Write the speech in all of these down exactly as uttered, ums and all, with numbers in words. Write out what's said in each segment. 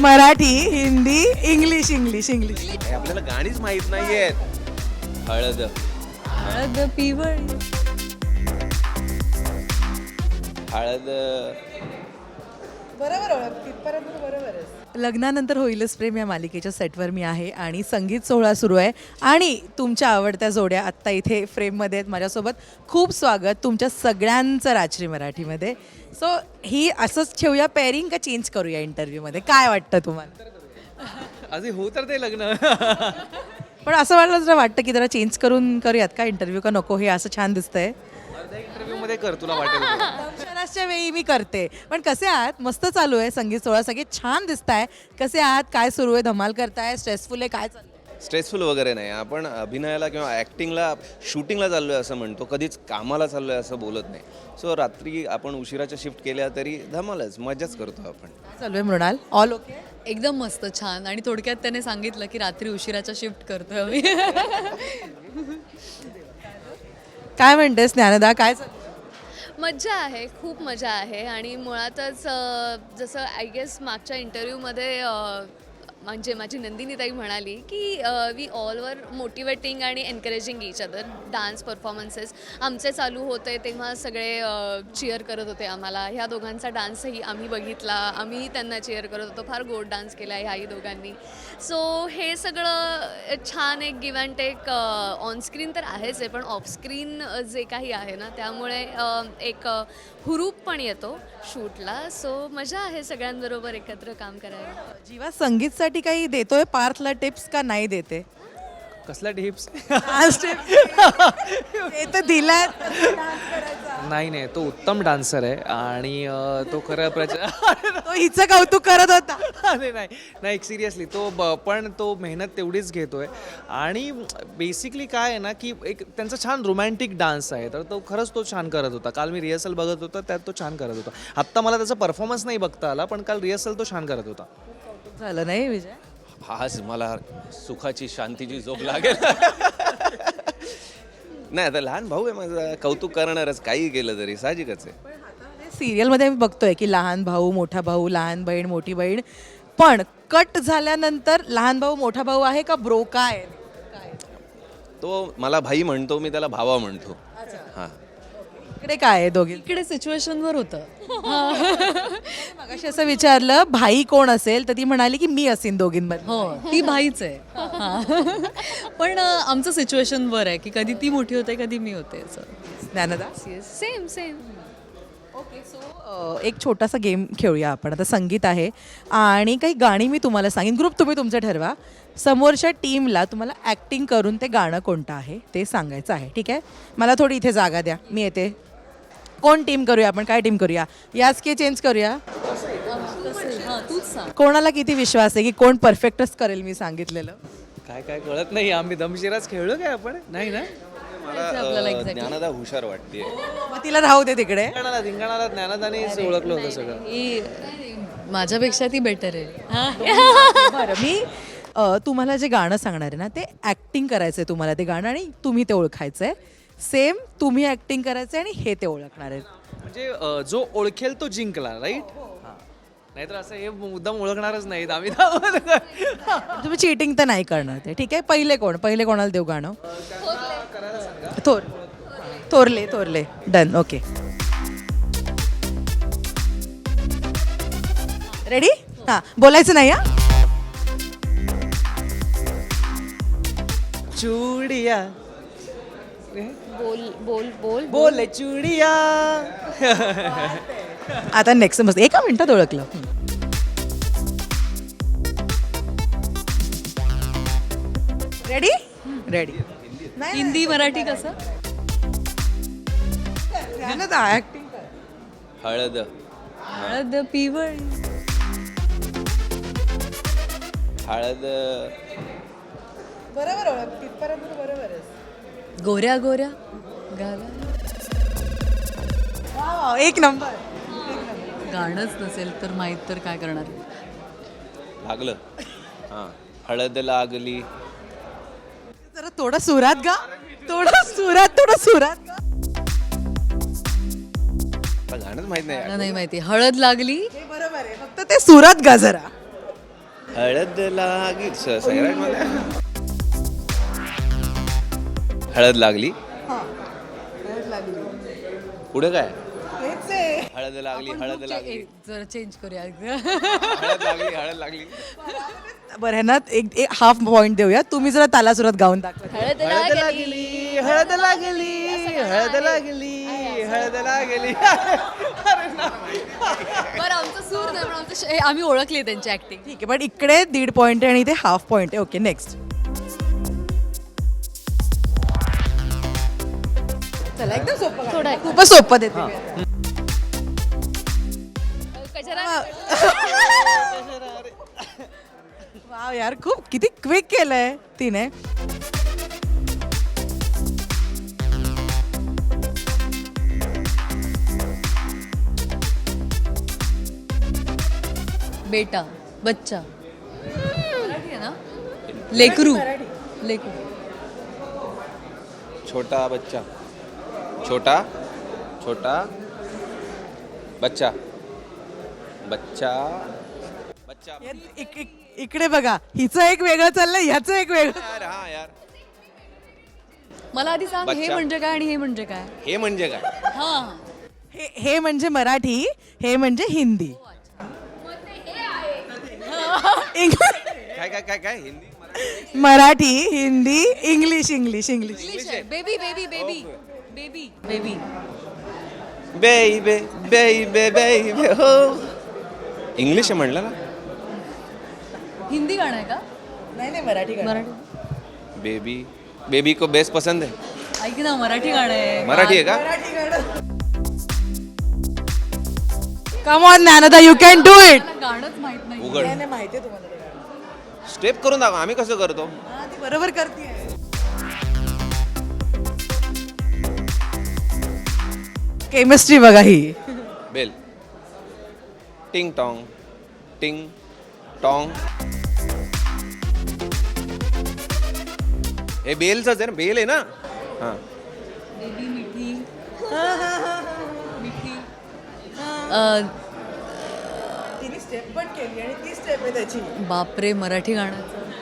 Marathi, Hindi, English English English हे आपल्याला गाणीच माहित नाहीयेत. हळद हळद पिवळी. हळद लग्नानंतर होईलच प्रेम या मालिकेच्या सेटवर मी आहे आणि संगीत सोहळा सुरू आहे आणि तुमच्या आवडत्या जोड्या आत्ता इथे फ्रेममध्ये आहेत माझ्यासोबत. खूप स्वागत तुमच्या सगळ्यांचं राजश्री मराठीमध्ये. सो ही असंच ठेवूया पेअरिंग का चेंज करूया इंटरव्ह्यूमध्ये, काय वाटतं तुम्हाला? आधी हो तर ते लग्न. पण असं वाटलं जरा वाटतं की जरा चेंज करून करूयात का इंटरव्ह्यू, का नको हे असं छान दिसतंय? अर्ध्या इंटरव्ह्यू मध्ये कर, तुला वाटेल ते. दर्शनाच्या वेळी मी करते. पण कसे आहात? मस्त चालू आहे संगीत सोहळा, सगळे छान दिसताय. कसे आहात? काय सुरू आहे? धमाल करताय? स्ट्रेसफुल आहे? काय चाललंय? स्ट्रेसफुल वगैरे नाही. आपण अभिनयाला किंवा ॲक्टिंगला शूटिंगला चाललोय असं म्हणतो, कधीच कामाला चाललोय असं बोलत नाही. सो रात्री आपण उशिराच्या शिफ्ट केल्या तरी धमालच, मजाच करतो आपण. काय चालू आहे मृणाल? All okay? एकदम मस्त छान. आणि थोडक्यात त्याने सांगितलं की रात्री उशिराच्या शिफ्ट करतोय आम्ही. काय म्हणतेस ज्ञानदा? काय चाललंय? मज्जा आहे, खूप मजा आहे. आणि मुळातच अ, जसं आय गेस मागच्या इंटरव्ह्यूमध्ये म्हणजे माझी नंदिनी ताई म्हणाली की वी ऑल वर मोटिवेटिंग आणि encouraging each other. Dance performances आमचे चालू होते तेव्हा सगळे चिअर करत होते आम्हाला. ह्या दोघांचा डान्सही आम्ही बघितला, आम्ही त्यांना चिअर करत होतो. फार गोड डान्स केला आहे ह्याही दोघांनी. सो हे सगळं छान एक गिव्ह अँड टेक ऑनस्क्रीन तर आहेच आहे, पण ऑफस्क्रीन जे काही आहे ना त्यामुळे अ, एक अ, हुरूप पण येतो शूटला. सो मजा आहे सगळ्यांबरोबर एकत्र काम करायला. जीवा संगीतसाठी काही देतोय पार्थला टिप्स का नाही देते? कसल्या टिप्स? ते तर दिलाय. नाही नाही, तो उत्तम डान्सर आहे आणि अं, तो खरं प्रच तो हिचं कौतुक करत होता. अरे नाही नाही, सिरियसली तो ब- पण तो मेहनत तेवढीच घेतोय. आणि बेसिकली काय आहे ना की एक त्यांचा छान रोमॅन्टिक डान्स आहे, तर तो खरंच तो छान करत होता. काल मी रिहर्सल बघत होता, त्यात तो छान करत होता. आत्ता मला त्याचा परफॉर्मन्स नाही बघता आला, पण काल रिहर्सल तो छान करत होता. झालं नाही विजय? आज मला सुखाची शांतीची झोप लागेल. नाही, आता लहान भाऊ आहे माझा, कौतुक करणारच काही केलं तरी, साहजिकच आहे. सिरियलमध्ये आम्ही बघतोय की लहान भाऊ मोठा भाऊ, लहान बहीण मोठी बहीण, पण कट झाल्यानंतर लहान भाऊ मोठा भाऊ आहे का ब्रो? काय तो मला भाई म्हणतो, मी त्याला भावा म्हणतो. हां, इकडे काय आहे दोघी? इकडे सिच्युएशनवर होतं. मगाशी असं विचारलं भाई कोण असेल, तर ती म्हणाली की मी असेन दोघींमध्ये. हो, ती भाईच आहे. हां. पण अ, आमचं सिच्युएशनवर आहे की कधी ती मोठी होते कधी मी होते असं. Dnyanada? Same same. Okay, so एक छोटासा गेम खेळूया आपण. आता संगीत आहे आणि काही गाणी मी तुम्हाला सांगेन, ग्रुप तुम्ही तुमचं ठरवा. समोरच्या टीमला तुम्हाला ॲक्टिंग करून ते गाणं कोणतं आहे ते सांगायचं आहे, ठीक आहे? मला थोडी इथे जागा द्या, मी येते. कोण टीम करूया आपण? काय टीम करूया? याच की चेंज करूया? हां, तूच सांग. कोणाला किती विश्वास आहे की कोण परफेक्टच करेल मी सांगितलेलं? काय काय कळत नाही. आम्ही दमशिराच खेळलो काय आपण? नाही ना? मला आपल्याला अ, exactly. ज्ञानदा हुशार वाटते. मग तिला राहू दे तिकडे. धिंगाणाला धिंगाणाला ज्ञानदानेच ओळखलं होतं सगळं. ही माझ्यापेक्षा ती बेटर आहे. हां. बरं, मी अ, तुम्हाला जे गाणं सांगणार आहे ना ते ॲक्टिंग करायचं आहे तुम्हाला ते गाणं, आणि तुम्ही ते ओळखायचं आहे. सेम तुम्ही ॲक्टिंग करायचं आहे आणि हे ते ओळखणार आहेत. म्हणजे अ, जो ओळखेल तो जिंकला, राईट? नाहीतर असं हे मुद्दाम ओळखणारच नाहीत आम्ही. तुम्ही चिटिंग तर नाही करणार ते, ठीक आहे? पहिले कोण? पहिले कोणाला देऊ गाणं? थोर थोरले थोरले डन. Okay, ready? हां, बोलायचं नाही. हां, चुडिया बोल बोल बोल बोले चुडिया. आता नेक्स्ट मस्त एका मिनिटात ओळखलं. रेडी? रेडी. हिंदी मराठी कसं? ऍक्टिंग हळद हळद पिवळी. हळद बरोबर ओळख, तिथपर्यंत बरोबर आहे. गोऱ्या गोऱ्या गाला. एक नंबर. गाणंच नसेल तर माहीत तर काय करणार. लागलं. हां, हळद लागली. जरा थोडं सुरात गा, थोडं सुरात, थोडं सुरात गा. गाणंच माहित नाही. मला नाही माहिती. हळद लागली. हे बरोबर आहे, फक्त ते सुरात गा जरा. हळद लागली स- सैराटमध्ये हळद लागली पुढे काय हळद लागली हळद लागली जरा चेंज करूया हळद लागली हळद लागली बरं ह्यांना एक एक हाफ पॉईंट देऊया. तुम्ही जरा तालासुरात गाऊन दाखवा. हळद हळद लागली. लागली हळद लागली हळद लागली हळद लागली बरं आमचा सूर नाही पण आमचं श- आम्ही ओळखली त्यांची ऍक्टिंग. ठीक आहे, पण इकडे दीड पॉईंट आहे आणि इथे हाफ पॉईंट आहे. Okay, next. चला एकदम सोपं थोडं आहे. खूपच सोपं देते मी. कचरा वाव यार, खूप किती क्विक केलंय तिने. बेटा बच्चा मराठी आहे ना. लेकरू लेकरू छोटा बच्चा छोटा छोटा बच्चा बच्चा बच्चा यात इक- इक- इकडे बघा, हिचं एक वेगळं चाललंय, ह्याचं एक वेगळं. यार हा यार मला आधी सांग हे बच्चा. म्हणजे काय आणि हे म्हणजे काय. हे म्हणजे काय हा हे हे म्हणजे मराठी, हे म्हणजे हिंदी. इंग- काय काय काय काय Hindi Marathi? Marathi, Hindi, English English English English आहे. Baby baby baby baby baby baby baby बेबे हो इंग्लिश आहे म्हणलं ना हिंदी गाणं आहे का. नाही नाही, मराठी गाणं. मराठी बेबी बेबी को बेस्ट पसंद है ऐक ना मराठी गाणं आहे. मराठी आहे का come on Dnyanada, you can do it. मला गाणंच माहित नाही. उघड माहिती आहे तुम्हाला. स्टेप करून दाखव आम्ही कसं करतो हा, ती बरोबर करते. केमिस्ट्री बघा ही. Bell ting tong ting tong हे बेलच आहे ना बेल आहे ना हां बेबी मिठी मिठी अं, तिने स्टेप पण केली आणि ती स्टेप आहे त्याची. बापरे मराठी गाणं.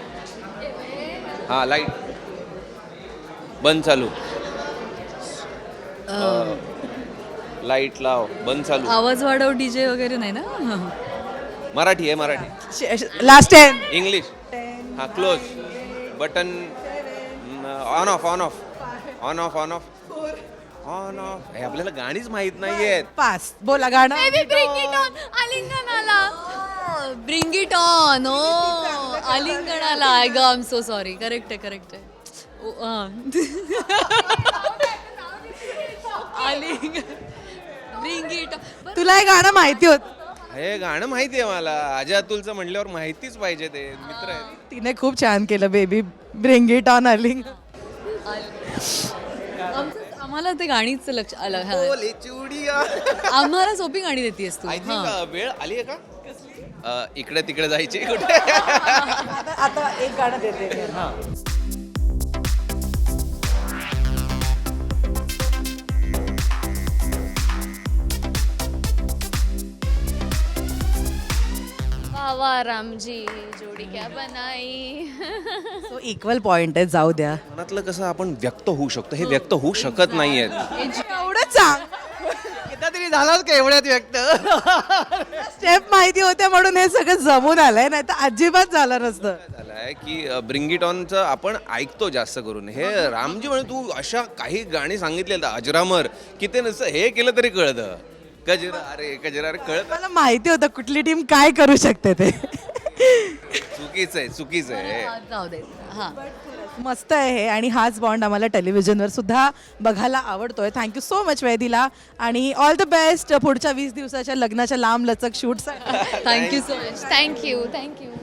हां लाईट बंद चालू लाईट लाव बंद चालू आवाज वाढव डीजे वगैरे नाही ना. मराठी आहे मराठी लास्ट टेन. इंग्लिश हां close button on off on off on off on off on off हे आपल्याला गाणीच माहित नाहीयेत पास. बोला गाणं. आलिंगनाला ब्रिंग इट ऑन. ओ आलिंगणाला आय ग I am so sorry. Correct आहे करेक्ट आहे. ओ, हा. आलिंग ब्रिंग इट ऑन. तुला हे गाणं माहिती होत. हे गाणं माहिती आहे मला अजय अतुलचं म्हणल्यावर माहितीच पाहिजे ते मित्र आहेत तिने खूप छान केलं. बेबी ब्रिंग इट ऑन अलिंग. आमचं- आम्हाला ते गाणीच लक्ष आलं. हा. ओले चुडिया आम्हाला सोपी गाणी देतेस तू. आय हा. थिंक वेळ आली आहे का अ, इकडे तिकडे जायची कुठे आता आता एक गाणं देते. वाह वाह रामजी जोडी क्या बनाई. सो इक्वल पॉइंट आहे, जाऊ द्या. मनातलं कसं आपण व्यक्त होऊ शकतो हे व्यक्त होऊ शकत नाहीयेत एवढंच सांग. एकदा तरी झालाच का एवढ्यात व्यक्त. स्टेप माहिती होत्या म्हणून हे सगळं जमून आलंय, नाही तर अजिबात झालं नसतं. झालंय की ब्रिंग इट ऑनचं आपण ऐकतो जास्त करून हे रामजी म्हणे तू अशा काही गाणी सांगितले अजरामर की ते नसतं हे केलं तरी कळतं कजरा अरे कजरा अरे कळत मला माहिती होतं कुठली टीम काय करू शकते ते. चुकीचं आहे चुकीचं आहे हा, जाऊ दे. हा मस्त आहे हे, आणि हाच बॉन्ड आम्हाला टेलिव्हिजनवर सुद्धा बघायला आवडतोय. थँक्यू सो मच वेळ दिला आणि ऑल द बेस्ट पुढच्या वीस दिवसाच्या लग्नाच्या लांब लचक shoots. Thank you so much. Thank you thank you